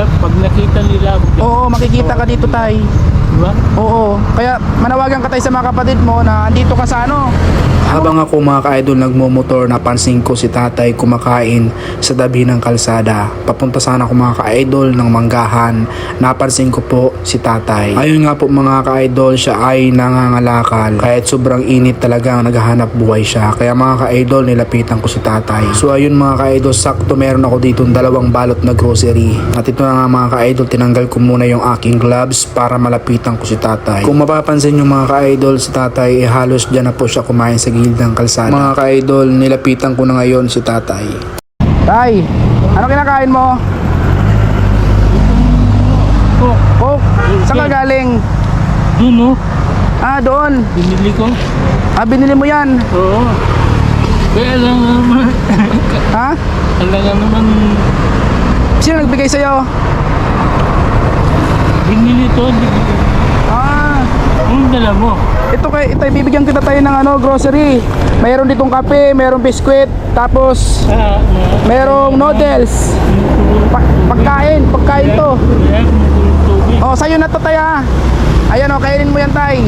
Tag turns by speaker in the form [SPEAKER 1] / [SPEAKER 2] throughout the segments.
[SPEAKER 1] pag nakita nila ako.
[SPEAKER 2] Oo, makikita ka dito tay.
[SPEAKER 1] Diba?
[SPEAKER 2] Oo, kaya manawagan ka tayo sa mga kapatid mo na andito ka sa ano.
[SPEAKER 3] Habang ako mga ka-idol nagmumotor, napansin ko si tatay kumakain sa tabi ng kalsada. Papunta sana ako mga ka-idol ng manggahan. Napansin ko po si tatay. Ayun nga po mga ka-idol, siya ay nangangalakal. Kahit sobrang init talagang naghahanap buhay siya. Kaya mga ka-idol, nilapitan ko si tatay. So ayun mga ka-idol, sakto meron ako dito 2 balot na grocery. At ito na nga mga ka-idol, tinanggal ko muna yung aking gloves para malapitan ko si tatay. Kung mapapansin nyo mga ka-idol, si tatay halos dyan na po siya kumain sa gilid ng kalsada. Mga ka-idol, nilapitan ko na ngayon si tatay.
[SPEAKER 2] Tay, ano kinakain mo? Coke. Saan ka galing?
[SPEAKER 1] Doon no?
[SPEAKER 2] Ah, doon.
[SPEAKER 1] Binili ko.
[SPEAKER 2] Ah, binili mo yan.
[SPEAKER 1] Oo. Kaya lang naman.
[SPEAKER 2] Ha?
[SPEAKER 1] Alam nga naman.
[SPEAKER 2] Sino nagbigay sa'yo?
[SPEAKER 1] Binili to.
[SPEAKER 2] Ah,
[SPEAKER 1] Anong dala mo?
[SPEAKER 2] ito bibigyan kita tayo ng ano, grocery. Mayroon ditong kape, mayroong biskwit, tapos mayroong noodles. Pagkain to.
[SPEAKER 1] Kaya kumukulong tubig.
[SPEAKER 2] Oh, sa'yo na to tay ah. Ayan oh, kainin mo yan tay.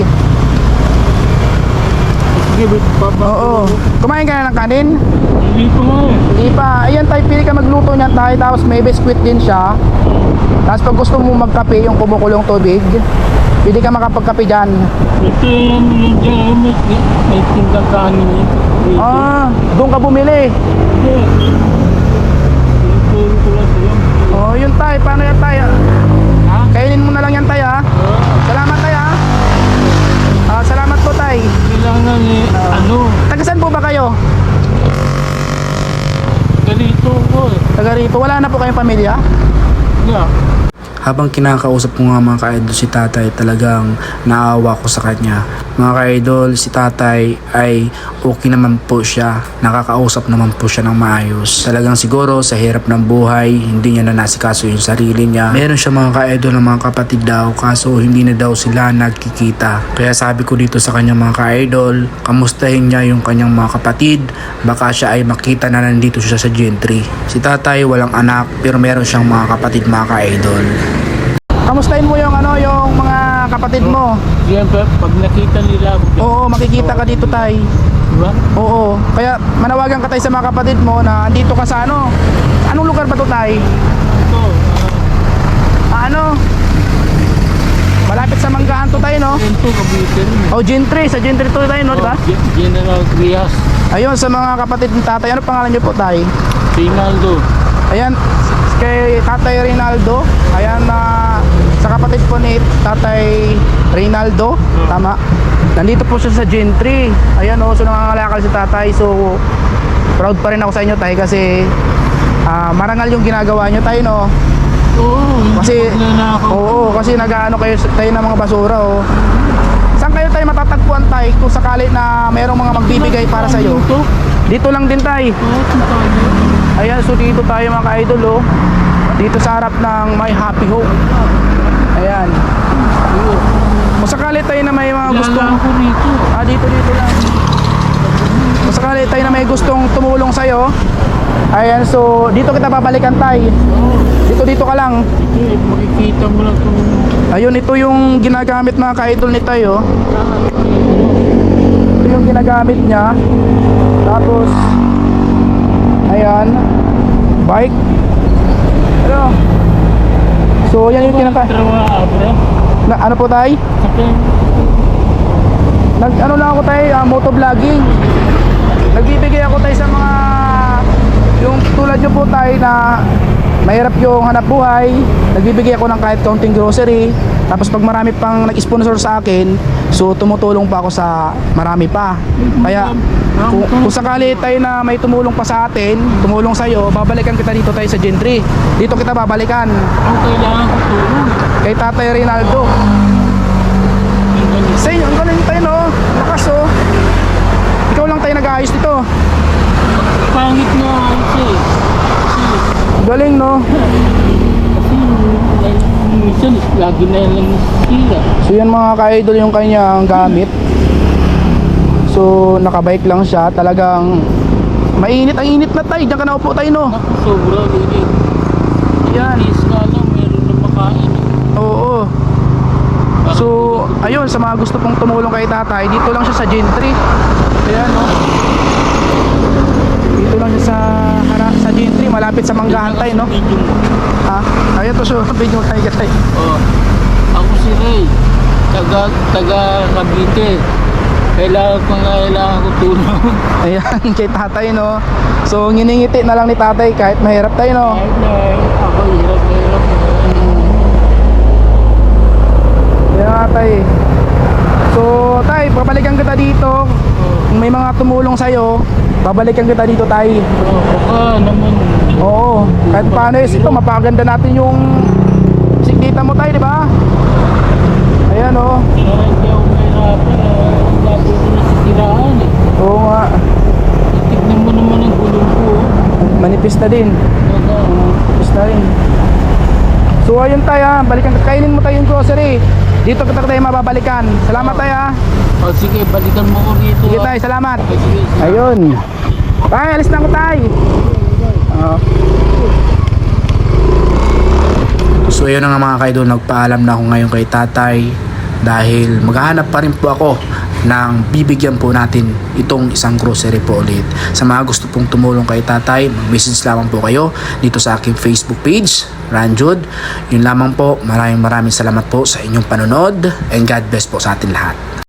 [SPEAKER 1] Sige, baba.
[SPEAKER 2] Oo. Kumain ka na ng kanin?
[SPEAKER 1] Hindi ko nga eh.
[SPEAKER 2] Hindi pa. Ayan tay, pili ka magluto niyan tay, tapos may biskwit din siya. Tapos pag gusto mo magkape, yung kumukulong tubig, pwede ka makapagkape dyan.
[SPEAKER 1] Ito yung dyan, may tindang kanin eh. Dito.
[SPEAKER 2] Ah, doon ka bumili.
[SPEAKER 1] Hindi. Tinuturo ko lang sa'yo.
[SPEAKER 2] Oh, yun tay, paano yan tay?
[SPEAKER 1] Ha?
[SPEAKER 2] Kainin mo na lang yan tay ha. Salamat tay ha. Ah, salamat po tay.
[SPEAKER 1] Kailangan eh, ano,
[SPEAKER 2] Taga saan po ba kayo?
[SPEAKER 1] ganito ko eh.
[SPEAKER 2] Taga rito. Wala na po kayong pamilya?
[SPEAKER 1] Yeah.
[SPEAKER 3] Habang kinakausap ko nga mga ka-idol si tatay, talagang naawa ko sa kanya. Mga ka-idol, si tatay ay okay naman po siya. Nakakausap naman po siya ng maayos. Talagang siguro sa hirap ng buhay, hindi niya na nasikaso yung sarili niya. Meron siya mga ka-idol ng mga kapatid daw, kaso hindi na daw sila nagkikita. Kaya sabi ko dito sa kanya mga ka-idol, kamustahin niya yung kanyang mga kapatid. Baka siya ay makita na nandito siya sa Gentry. Si tatay walang anak, pero meron siyang mga kapatid mga ka-idol.
[SPEAKER 2] Kamustahin mo yung ano, yung mga kapatid mo?
[SPEAKER 1] Siyempre, pag nakita nila ako.
[SPEAKER 2] Oo, makikita ka dito tay.
[SPEAKER 1] Diba?
[SPEAKER 2] Oo, kaya manawagan ka tayo sa mga kapatid mo na andito ka sa ano. Anong lugar ba to tay?
[SPEAKER 1] Ito,
[SPEAKER 2] Ano? Malapit sa Manggahan to tayo no?
[SPEAKER 1] ito, kabitin.
[SPEAKER 2] Oh, Gentry, sa Gentry to tayo no, diba?
[SPEAKER 1] General Trias,
[SPEAKER 2] Ayun, sa mga kapatid ng tatay, ano pangalan niyo po tay?
[SPEAKER 1] Rinaldo.
[SPEAKER 2] Ayan, kay Tatay Rinaldo. Ayan na sa kapatid po ni Tatay Rinaldo. Tama. Nandito po siya sa Gentry. Ayan o, so nangangalakal si tatay. So proud pa rin ako sa inyo tay kasi marangal yung ginagawa nyo tay no.
[SPEAKER 1] Oo,
[SPEAKER 2] Kasi
[SPEAKER 1] magnanakaw.
[SPEAKER 2] oo, kasi nag-aano kayo tayo ng mga basura oh. Saan kayo tayo matatagpuan tay kung sakali na mayroong mga magbibigay para sa iyo?
[SPEAKER 1] Dito?
[SPEAKER 2] Dito lang din tay.
[SPEAKER 1] Oo, tayo.
[SPEAKER 2] Ayan, so dito tayo mga ka-idol oh. Dito sa harap ng My Happy Home. Ayan. Kung sakali tayo na may mga gustong
[SPEAKER 1] Lala ko rito.
[SPEAKER 2] dito lang. Kung sakali tayo na may gustong tumulong sa'yo, ayan, so dito kita babalikan tay. Dito ka lang.
[SPEAKER 1] Ito, makikita mo lang itong
[SPEAKER 2] Ayun, ito yung ginagamit mga ka-idol ni tayo. Ito yung ginagamit niya. Tapos ayan, bike. Ano? So yan yung
[SPEAKER 1] trawa, bro.
[SPEAKER 2] ano po tay?
[SPEAKER 1] Sakay.
[SPEAKER 2] Ano lang ako tay, motovlogging. Nagbibigay ako tay sa mga yung tulad nyo po tay na mahirap yung hanap buhay. Nagbibigay ako ng kahit kaunting grocery. Tapos pag marami pang nag-sponsor sa akin, so tumutulong pa ako sa marami pa. Kaya kung sakali tayo na may tumulong pa sa atin, tumulong sa'yo, babalikan kita dito tayo sa Gentry. Dito kita babalikan.
[SPEAKER 1] Ang kailangan ko tulong.
[SPEAKER 2] Kay Tatay Rinaldo. Sa inyo, ang galing tayo no. Lakas oh. Ikaw lang tayo nag-aayos dito.
[SPEAKER 1] Pangit na kasi.
[SPEAKER 2] Galing no.
[SPEAKER 1] Minsan, lagi na lang sila.
[SPEAKER 2] So yan mga ka-idol yung kanyang gamit. So nakabike lang siya. Talagang mainit, ang init na tayo. Diyan ka na upo tayo no.
[SPEAKER 1] Ako, sobra.
[SPEAKER 2] Yan.
[SPEAKER 1] Is nga lang, meron
[SPEAKER 2] idol, sa mga gusto pong tumulong kay tatay, dito lang siya sa Gentry. Ayan, no? Dito lang siya sa Gentry, malapit sa Manggahantay, no? Ha? Ayan to siya, video tayo katay.
[SPEAKER 1] Oh. Ako si Ray, taga Cavite. Kailangan ko tulong.
[SPEAKER 2] Ayan, kay tatay, no? So, nginingiti na lang ni tatay kahit mahirap tayo, no?
[SPEAKER 1] Kahit na ako hirap.
[SPEAKER 2] Kaya tay. So, tay, babalikan kita dito. Kung may mga tumulong sa'yo, babalikan kita dito, tay.
[SPEAKER 1] Baka naman.
[SPEAKER 2] Oo, kahit paano is ito, mapaganda natin yung sikita mo, tay, di ba? Ayan, oh.
[SPEAKER 1] Kaya hindi ako mahirapan. Lagi ko na sitiraan eh.
[SPEAKER 2] Oo nga.
[SPEAKER 1] Tignan mo naman ang gulong ko.
[SPEAKER 2] Manipis na din. Manipis na rin. So, ayun, tay, ha. Balikan, kainin mo tayo yung grocery. Dito kita tayo mababalikan. Salamat, tay, ha.
[SPEAKER 1] O sige, balikan mo ko rito.
[SPEAKER 2] Sige, tay, salamat.
[SPEAKER 1] Okay, sige.
[SPEAKER 2] Ayun. Tay, alis na ako, tay.
[SPEAKER 3] So yun na nga mga kaidol, nagpaalam na ako ngayon kay tatay dahil maghahanap pa rin po ako ng bibigyan po natin itong isang grocery po ulit. Sa mga gusto pong tumulong kay tatay, mag-message lamang po kayo dito sa aking Facebook page, Ranjud. Yun lamang po, maraming salamat po sa inyong panonood and God bless po sa atin lahat.